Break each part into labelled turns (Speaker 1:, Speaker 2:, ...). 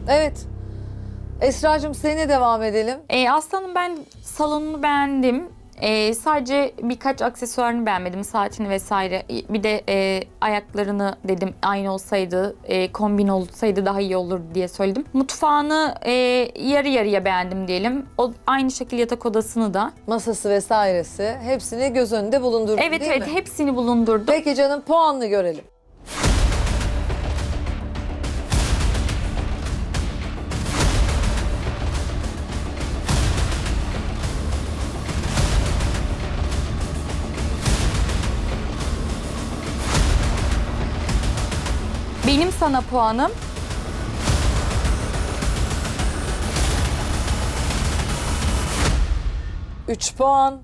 Speaker 1: Evet. Esra'cığım seninle devam edelim.
Speaker 2: Aslanım ben salonunu beğendim. Sadece birkaç aksesuarını beğenmedim. Saatini vesaire. Bir de ayaklarını dedim aynı olsaydı, kombin olsaydı daha iyi olur diye söyledim. Mutfağını yarı yarıya beğendim diyelim. O aynı şekilde yatak odasını da.
Speaker 1: Masası vesairesi hepsini göz önünde bulundurdun
Speaker 2: Evet
Speaker 1: değil
Speaker 2: evet
Speaker 1: mi?
Speaker 2: hepsini bulundurdum.
Speaker 1: Peki canım puanını görelim.
Speaker 2: Benim sana puanım
Speaker 1: 3 puan.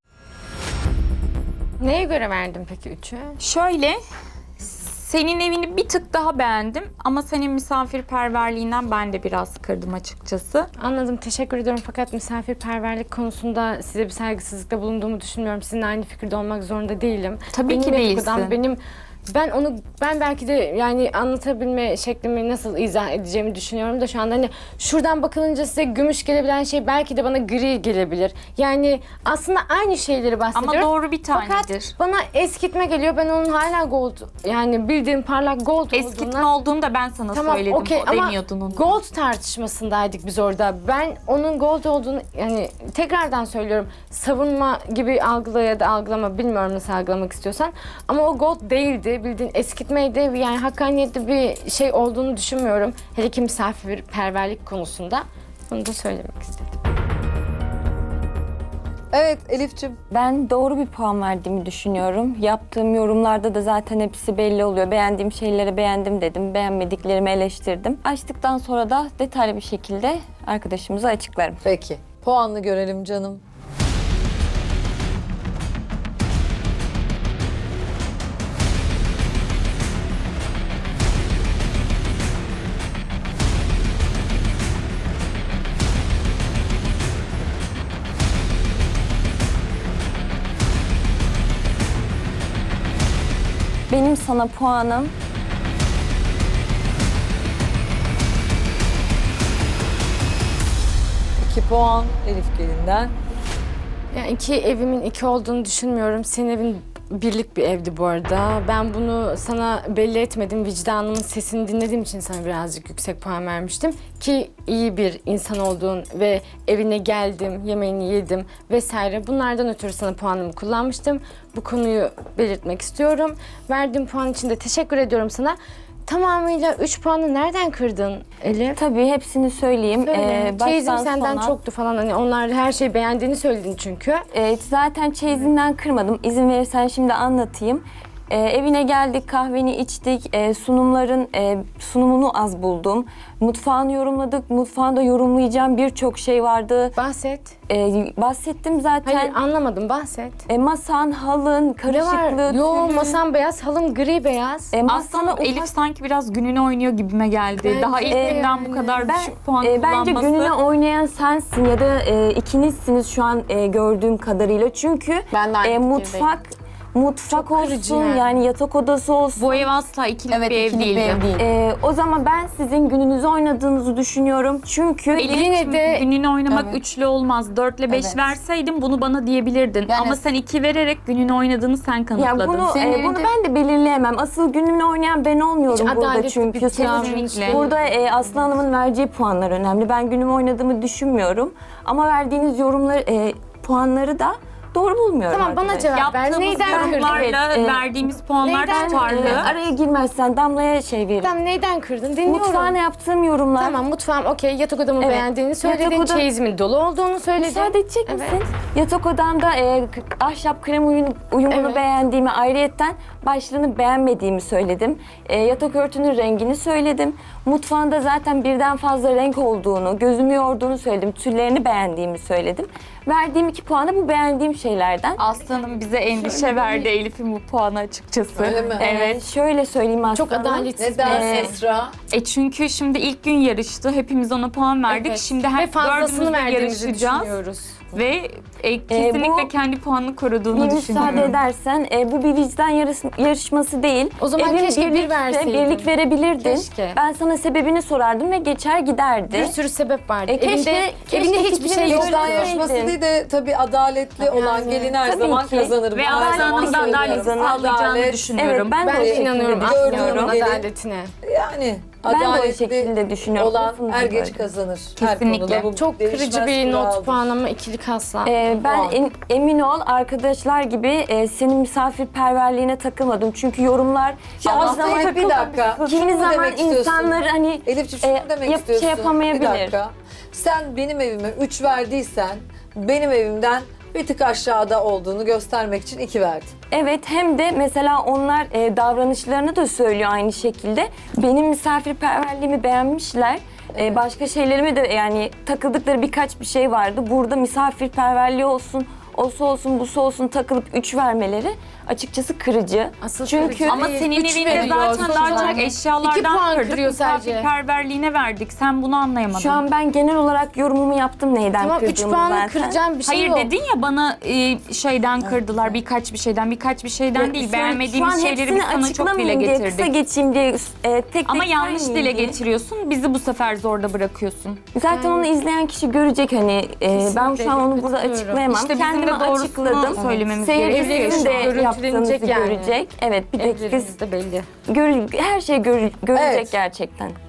Speaker 3: Neye göre verdin peki 3'ü?
Speaker 2: şöyle. Senin evini bir tık daha beğendim ama senin misafirperverliğinden ben de biraz kırdım açıkçası.
Speaker 3: Anladım, teşekkür ediyorum fakat misafirperverlik konusunda size bir saygısızlıkta bulunduğumu düşünmüyorum. Sizinle aynı fikirde olmak zorunda değilim.
Speaker 2: Tabii ki
Speaker 3: yatak odam,
Speaker 2: değilsin.
Speaker 3: ben belki de yani anlatabilme şeklimi nasıl izah edeceğimi düşünüyorum da şu anda hani şuradan bakılınca size gümüş gelebilen şey belki de bana gri gelebilir. Yani aslında aynı şeyleri bahsediyorum.
Speaker 2: Ama doğru bir tanedir.
Speaker 3: Fakat bana eskitme geliyor. Ben onun hala gold, yani bildiğim parlak gold
Speaker 2: Eskitme
Speaker 3: olduğundan...
Speaker 2: olduğunu da ben sana söyledim.
Speaker 3: okey,
Speaker 2: O
Speaker 3: ama
Speaker 2: demiyordun onu.
Speaker 3: gold tartışmasındaydık biz orada. Ben onun gold olduğunu, yani tekrardan söylüyorum, savunma gibi algıla ya da algılama, bilmiyorum nasıl algılamak istiyorsan. Ama o gold değildi. Bildiğin eskitmeydi. Yani hakkaniyetli bir şey olduğunu düşünmüyorum. Hele ki misafirperverlik konusunda. Bunu da söylemek istedim.
Speaker 1: Evet Elif'ciğim.
Speaker 4: Ben doğru bir puan verdiğimi düşünüyorum. Yaptığım yorumlarda da zaten hepsi belli oluyor. Beğendiğim şeyleri beğendim dedim, beğenmediklerimi eleştirdim. Açtıktan sonra da detaylı bir şekilde arkadaşımıza açıklarım.
Speaker 1: Peki. Puanını görelim canım.
Speaker 4: Benim sana puanım
Speaker 1: 2 puan Elif Gelin'den.
Speaker 3: Yani iki evimin iki olduğunu düşünmüyorum. Senin evin birlik bir evdi bu arada. Ben bunu sana belli etmedim. Vicdanımın sesini dinlediğim için sana birazcık yüksek puan vermiştim. Ki iyi bir insan olduğun ve evine geldim, yemeğini yedim vesaire. Bunlardan ötürü sana puanımı kullanmıştım. Bu konuyu belirtmek istiyorum. Verdiğim puan için de teşekkür ediyorum sana. Tamamıyla 3 puanı nereden kırdın Elif?
Speaker 4: tabii hepsini söyleyeyim.
Speaker 3: Çeyizim senden
Speaker 4: sona-
Speaker 3: çoktu falan, hani onlar her şeyi beğendiğini söyledin çünkü.
Speaker 4: Zaten çeyizinden kırmadım. İzin verirsen şimdi anlatayım. Evine geldik, kahveni içtik, sunumunu az buldum. Mutfağını yorumladık, mutfağında yorumlayacağım birçok şey vardı.
Speaker 3: Bahset.
Speaker 4: Bahsettim zaten.
Speaker 3: Hayır, anlamadım, bahset.
Speaker 4: Masan, halın,
Speaker 3: Ne var?
Speaker 4: karışıklığı,
Speaker 3: Yo,
Speaker 4: tülün.
Speaker 3: masam beyaz, halım gri beyaz.
Speaker 4: Masana
Speaker 2: Aslında Elif
Speaker 4: ufak-
Speaker 2: sanki biraz gününü oynuyor gibime geldi.
Speaker 3: Bence
Speaker 2: Daha ilk
Speaker 3: de
Speaker 2: günden bu
Speaker 3: yani.
Speaker 2: kadar düşük puan
Speaker 4: Bence
Speaker 2: kullanması.
Speaker 4: gününe oynayan sensin ya da ikinizsiniz şu an gördüğüm kadarıyla. Çünkü
Speaker 5: Ben de aynı
Speaker 4: mutfak
Speaker 3: Çok kırıcı
Speaker 4: olsun,
Speaker 3: yani.
Speaker 4: yani yatak odası olsun.
Speaker 2: Bu ev asla ikilik bir ev
Speaker 5: ikilik bir
Speaker 2: değildi.
Speaker 5: ev değil.
Speaker 4: O zaman ben sizin gününüzü oynadığınızı düşünüyorum. Çünkü
Speaker 2: Elif'ciğim,
Speaker 3: de-
Speaker 2: gününü oynamak
Speaker 5: Evet.
Speaker 2: üçlü olmaz. 4 ile 5
Speaker 5: Evet.
Speaker 2: verseydin bunu bana diyebilirdin.
Speaker 5: Yani-
Speaker 2: Ama sen 2 vererek gününü oynadığını sen kanıtladın.
Speaker 4: ya bunu
Speaker 5: Senin
Speaker 4: bunu
Speaker 5: evinde-
Speaker 4: ben de belirleyemem. Asıl gününü oynayan ben olmuyorum
Speaker 3: Hiç
Speaker 4: burada
Speaker 3: adaletli
Speaker 4: çünkü.
Speaker 3: bir
Speaker 4: Senin-
Speaker 2: Kesinlikle.
Speaker 4: Burada Aslı Hanım'ın vereceği puanlar önemli. Ben günümü oynadığımı düşünmüyorum. Ama verdiğiniz yorumları, puanları da doğru bulmuyorum.
Speaker 3: Tamam, bana
Speaker 4: arkadaşlar.
Speaker 3: cevap ver.
Speaker 2: Yaptığımız
Speaker 3: Neyden kırdın?
Speaker 2: yorumlarla
Speaker 4: Evet,
Speaker 2: verdiğimiz puanlar
Speaker 3: neyden-
Speaker 2: tutarlı.
Speaker 4: Araya girmezsen Damla'ya şey veririm.
Speaker 3: Tamam, neyden kırdın? Dinliyorum.
Speaker 4: Mutfağına yaptığım yorumlar.
Speaker 3: Tamam, mutfağım okey. Yatak odamı
Speaker 4: Evet.
Speaker 3: beğendiğini söyledin.
Speaker 4: Yatak oda-
Speaker 3: Çeyizimin dolu olduğunu söyledin.
Speaker 4: Müsaade edecek
Speaker 3: Evet.
Speaker 4: misin? Yatak odamda ahşap krem uyumunu
Speaker 3: Evet.
Speaker 4: beğendiğimi, ayrıyetten başlığını beğenmediğimi söyledim. Yatak örtünün rengini söyledim. Mutfağında zaten birden fazla renk olduğunu, gözümü yorduğunu söyledim. Tüllerini beğendiğimi söyledim. Verdiğim 2 puanı bu beğendiğim şeylerden.
Speaker 2: Aslanım bize endişe verdi Elif'in bu puanı açıkçası.
Speaker 1: Öyle mi?
Speaker 2: Evet.
Speaker 4: Şöyle söyleyeyim aslında.
Speaker 3: Çok adaletsiz.
Speaker 1: Neden
Speaker 3: bir-
Speaker 1: Esra?
Speaker 2: Çünkü şimdi ilk gün yarıştı. Hepimiz ona puan verdik.
Speaker 3: Evet.
Speaker 2: Şimdi
Speaker 3: Ve
Speaker 2: her
Speaker 3: fazlasını
Speaker 2: dördümüz de
Speaker 3: verdiğimizi
Speaker 2: yarışacağız.
Speaker 3: düşünüyoruz.
Speaker 2: Ve kesinlikle
Speaker 4: bu-
Speaker 2: kendi puanını koruduğunu
Speaker 4: Bir müsaade
Speaker 2: düşünüyorum.
Speaker 4: edersen bu bir vicdan yarışması değil.
Speaker 3: O zaman
Speaker 4: Evin
Speaker 3: keşke bir
Speaker 4: birlikte
Speaker 3: verseydin.
Speaker 4: birlik verebilirdin.
Speaker 3: Keşke.
Speaker 4: Ben sana sebebini sorardım ve geçer giderdi.
Speaker 3: Bir sürü sebep vardı.
Speaker 4: Keşke
Speaker 3: evinde hiçbir
Speaker 4: fikrimi
Speaker 3: şey yok.
Speaker 1: Vicdan
Speaker 4: söyleseydin.
Speaker 1: yarışması değil de tabii adaletli olan gelin her
Speaker 4: Tabii
Speaker 1: zaman
Speaker 4: ki.
Speaker 1: kazanır.
Speaker 2: Ve
Speaker 1: Ben her zaman
Speaker 2: Aslan'ın da
Speaker 1: söylüyorum.
Speaker 2: adalet sağlayacağını
Speaker 1: Adalet,
Speaker 2: düşünüyorum.
Speaker 4: Evet, ben de
Speaker 3: Ben
Speaker 4: o
Speaker 3: de
Speaker 4: şekilde
Speaker 3: inanıyorum
Speaker 1: düşünüyorum.
Speaker 3: Aslı'nın
Speaker 1: Gelin-
Speaker 3: adaletine.
Speaker 1: Yani
Speaker 4: Ben de o
Speaker 1: adaletli
Speaker 4: şekilde düşünüyorum.
Speaker 1: olan
Speaker 4: Lafını
Speaker 1: er geç
Speaker 4: böldüm.
Speaker 1: kazanır.
Speaker 2: Kesinlikle.
Speaker 1: Her konuda bu
Speaker 3: Çok
Speaker 1: değişmez
Speaker 3: kırıcı bir not
Speaker 1: kuraldır.
Speaker 3: puanlama, ikilik asla.
Speaker 4: Ben emin ol arkadaşlar gibi senin misafirperverliğine takılmadım. Çünkü yorumlar
Speaker 1: Ya aslında bir dakika.
Speaker 4: kimi
Speaker 1: Şunu mu
Speaker 4: zaman
Speaker 1: demek istiyorsun?
Speaker 4: insanları hani
Speaker 1: Elifciğim şunu mu demek istiyorsun?
Speaker 4: şey yapamayabilir.
Speaker 1: Bir dakika. Sen benim evime 3 verdiysen benim evimden bir tık aşağıda olduğunu göstermek için 2 verdin.
Speaker 4: Evet, hem de mesela onlar davranışlarını da söylüyor aynı şekilde. Benim misafirperverliğimi beğenmişler. Başka şeylerime de yani takıldıkları birkaç bir şey vardı. Burada misafirperverliği olsun, olsun, busu olsun takılıp 3 vermeleri açıkçası kırıcı.
Speaker 3: Asıl
Speaker 4: Çünkü
Speaker 3: kırıcı
Speaker 2: Ama
Speaker 3: değil.
Speaker 2: senin
Speaker 3: Üç
Speaker 2: evinde
Speaker 3: veriyor
Speaker 2: zaten
Speaker 3: sonuç
Speaker 2: daha çok
Speaker 3: olarak. 2
Speaker 2: eşyalardan
Speaker 3: puan
Speaker 2: kırdık,
Speaker 3: kırıyor sadece.
Speaker 2: misafirperverliğine verdik. Sen bunu anlayamadın.
Speaker 4: şu an ben genel olarak yorumumu yaptım neyden
Speaker 3: Tamam 3
Speaker 4: kırdığımı
Speaker 3: puanı
Speaker 4: zaten.
Speaker 3: kıracağım bir şey
Speaker 2: Hayır
Speaker 3: yok.
Speaker 2: dedin ya bana şeyden kırdılar, birkaç bir şeyden değil. Beğenmediğimiz şeyleri biz sana çok dile
Speaker 4: açıklamayayım diye, kısa
Speaker 2: getirdik.
Speaker 4: geçeyim diye tek
Speaker 2: Ama
Speaker 4: tek
Speaker 2: yanlış
Speaker 4: saymayayım
Speaker 2: dile
Speaker 4: diye.
Speaker 2: getiriyorsun, bizi bu sefer zorda bırakıyorsun.
Speaker 4: Zaten onu izleyen kişi görecek hani ben şu an onu burada
Speaker 3: katılıyorum.
Speaker 4: açıklayamam.
Speaker 2: İşte bizim
Speaker 4: Kendimi
Speaker 2: de doğrusunu
Speaker 4: açıkladım.
Speaker 2: söylememiz gerekiyor.
Speaker 4: Seyircisinin de
Speaker 3: Görüntülenecek
Speaker 4: yaptığınızı
Speaker 3: yani.
Speaker 4: görecek. Evet bir dakika
Speaker 3: Evlerimizde belli.
Speaker 4: her şey görecek
Speaker 1: Evet.
Speaker 4: gerçekten.